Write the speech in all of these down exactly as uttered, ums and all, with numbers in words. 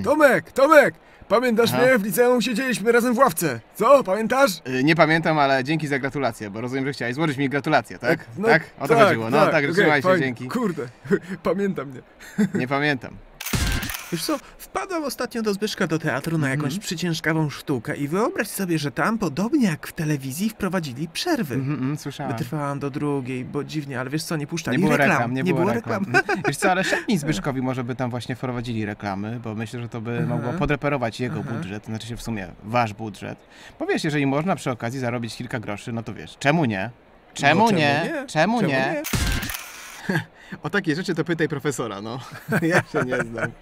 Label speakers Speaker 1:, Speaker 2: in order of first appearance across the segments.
Speaker 1: Tomek, Tomek! Pamiętasz
Speaker 2: Aha.
Speaker 1: mnie? W liceum siedzieliśmy razem w ławce. Co? Pamiętasz?
Speaker 2: Yy, nie pamiętam, ale dzięki za gratulacje, bo rozumiem, że chciałeś złożyć mi gratulacje, tak?
Speaker 1: No,
Speaker 2: tak? O to
Speaker 1: tak,
Speaker 2: chodziło. No tak,
Speaker 1: okej,
Speaker 2: trzymaj się,
Speaker 1: fajnie.
Speaker 2: dzięki.
Speaker 1: Kurde, pamiętam mnie.
Speaker 2: Nie pamiętam.
Speaker 3: Wiesz co, wpadłem ostatnio do Zbyszka do teatru na jakąś
Speaker 2: Mhm.
Speaker 3: przyciężkawą sztukę i wyobraź sobie, że tam, podobnie jak w telewizji, wprowadzili przerwy.
Speaker 2: Mhm, mhm, słyszałem.
Speaker 3: Wytrwałam do drugiej, bo dziwnie, ale wiesz co, nie puszczali
Speaker 2: Nie było
Speaker 3: reklam.
Speaker 2: reklam, nie,
Speaker 3: nie
Speaker 2: było
Speaker 3: było
Speaker 2: reklam.
Speaker 3: reklam.
Speaker 2: Mhm. Wiesz co, ale szepnij Zbyszkowi, może by tam właśnie wprowadzili reklamy, bo myślę, że to by
Speaker 3: Aha.
Speaker 2: mogło podreperować jego
Speaker 3: Aha.
Speaker 2: budżet, znaczy się w sumie wasz budżet. Bo wiesz, jeżeli można przy okazji zarobić kilka groszy, no to wiesz, czemu nie? Czemu,
Speaker 3: No, czemu
Speaker 2: nie?
Speaker 3: nie?
Speaker 2: Czemu,
Speaker 3: Czemu
Speaker 2: nie?
Speaker 3: nie?
Speaker 2: O takie rzeczy to pytaj profesora, no. Ja się nie znam.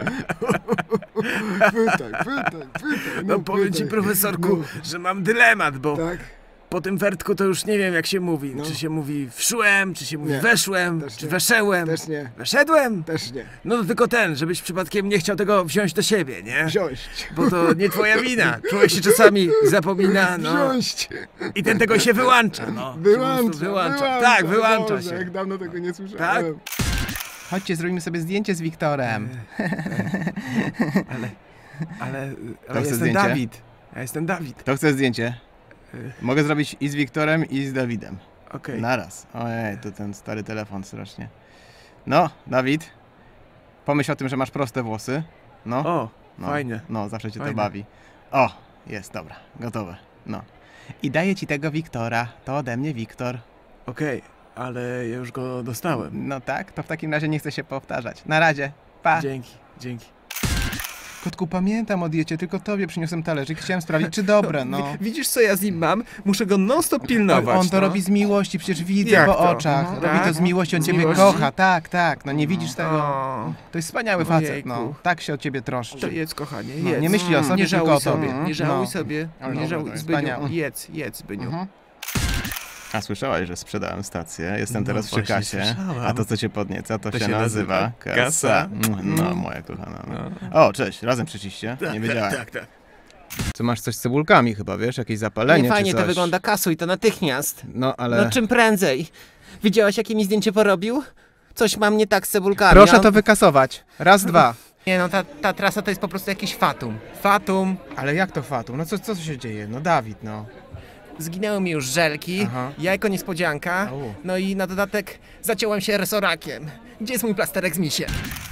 Speaker 1: Pytaj, pytaj, pytaj.
Speaker 3: No powiem ci, profesorku,
Speaker 1: No.
Speaker 3: że mam dylemat, bo
Speaker 1: Tak?
Speaker 3: po tym wertku to już nie wiem, jak się mówi.
Speaker 1: No.
Speaker 3: Czy się mówi wszłem, czy się mówi
Speaker 1: Nie,
Speaker 3: weszłem,
Speaker 1: też
Speaker 3: czy
Speaker 1: nie.
Speaker 3: weszełem,
Speaker 1: Też nie,
Speaker 3: weszedłem?
Speaker 1: też nie.
Speaker 3: No to tylko ten, żebyś przypadkiem nie chciał tego wziąć do siebie, nie?
Speaker 1: Wziąć.
Speaker 3: Bo to nie twoja wina. Człowiek się czasami zapomina, no.
Speaker 1: Wziąć.
Speaker 3: I ten tego się wyłącza, no. Się po
Speaker 1: Wyłącza,
Speaker 3: prostu wyłącza.
Speaker 1: wyłącza.
Speaker 3: Tak, wyłącza
Speaker 1: Boże,
Speaker 3: się.
Speaker 1: jak dawno tego nie słyszałem.
Speaker 3: Tak?
Speaker 2: Chodźcie, zrobimy sobie zdjęcie z Wiktorem.
Speaker 3: Ale, ale, ale
Speaker 2: chce
Speaker 3: ja jestem
Speaker 2: zdjęcie?
Speaker 3: Dawid. Ja jestem Dawid.
Speaker 2: Kto chce zdjęcie? Mogę zrobić i z Wiktorem, i z Dawidem.
Speaker 3: Okej.
Speaker 2: Naraz. Ojej, to ten stary telefon strasznie. No, Dawid, pomyśl o tym, że masz proste włosy. No,
Speaker 3: O,
Speaker 2: no,
Speaker 3: fajnie.
Speaker 2: No, zawsze cię
Speaker 3: Fajnie.
Speaker 2: to bawi. O, jest, dobra, gotowe. No. I daję ci tego Wiktora. To ode mnie Wiktor.
Speaker 3: Okej, ale ja już go dostałem.
Speaker 2: No tak, to w takim razie nie chcę się powtarzać. Na razie. Pa.
Speaker 3: Dzięki, dzięki.
Speaker 2: Kotku, pamiętam o diecie, tylko tobie przyniosłem talerzyk. Chciałem sprawdzić, czy dobre, no.
Speaker 3: Wi- Widzisz, co ja z nim mam? Muszę go non-stop pilnować.
Speaker 2: On to
Speaker 3: no.
Speaker 2: robi z miłości, przecież widzę
Speaker 3: Jak
Speaker 2: po
Speaker 3: to?
Speaker 2: oczach.
Speaker 3: Mhm.
Speaker 2: Robi to
Speaker 3: Tak?
Speaker 2: z miłości, on
Speaker 3: Z
Speaker 2: ciebie
Speaker 3: miłości?
Speaker 2: kocha, tak, tak. No nie widzisz tego?
Speaker 3: O,
Speaker 2: To jest wspaniały facet,
Speaker 3: Ojejku.
Speaker 2: no. Tak się o ciebie troszczy.
Speaker 3: to jedz, kochanie,
Speaker 2: No,
Speaker 3: jedz.
Speaker 2: nie myśli o sobie,
Speaker 3: nie
Speaker 2: tylko
Speaker 3: żałuj
Speaker 2: o tobie.
Speaker 3: sobie, nie żałuj
Speaker 2: No.
Speaker 3: sobie,
Speaker 2: Ale
Speaker 3: nie
Speaker 2: dobra,
Speaker 3: żałuj,
Speaker 2: to jest
Speaker 3: Zbyniu,
Speaker 2: wspaniałe.
Speaker 3: jedz, jedz, Zbyniu.
Speaker 2: Mhm. A słyszałaś, że sprzedałem stację? Jestem
Speaker 3: No
Speaker 2: teraz przy
Speaker 3: właśnie
Speaker 2: kasie.
Speaker 3: słyszałam.
Speaker 2: A to, co cię podnieca, to,
Speaker 3: To
Speaker 2: się,
Speaker 3: się
Speaker 2: nazywa
Speaker 3: nazywa
Speaker 2: kasa.
Speaker 3: kasa.
Speaker 2: No, moja kochana. No. O, cześć, razem przyciście? Nie wiedziałem.
Speaker 3: Tak, tak.
Speaker 2: Co masz coś z cebulkami chyba, wiesz? Jakieś zapalenie
Speaker 4: Nie fajnie
Speaker 2: czy coś?
Speaker 4: to wygląda, kasuj to natychmiast.
Speaker 2: No, ale...
Speaker 4: No czym prędzej. Widziałaś, jakie mi zdjęcie porobił? Coś mam nie tak z cebulkami.
Speaker 2: Proszę
Speaker 4: a-
Speaker 2: to wykasować. Raz, dwa.
Speaker 4: Nie no, ta, ta trasa to jest po prostu jakiś fatum. Fatum.
Speaker 2: Ale jak to fatum? No co, co się dzieje? No Dawid, no.
Speaker 4: Zginęły mi już żelki,
Speaker 2: Aha.
Speaker 4: jajko niespodzianka,
Speaker 2: Au.
Speaker 4: no i na dodatek zaciąłem się resorakiem. Gdzie jest mój plasterek z misiem?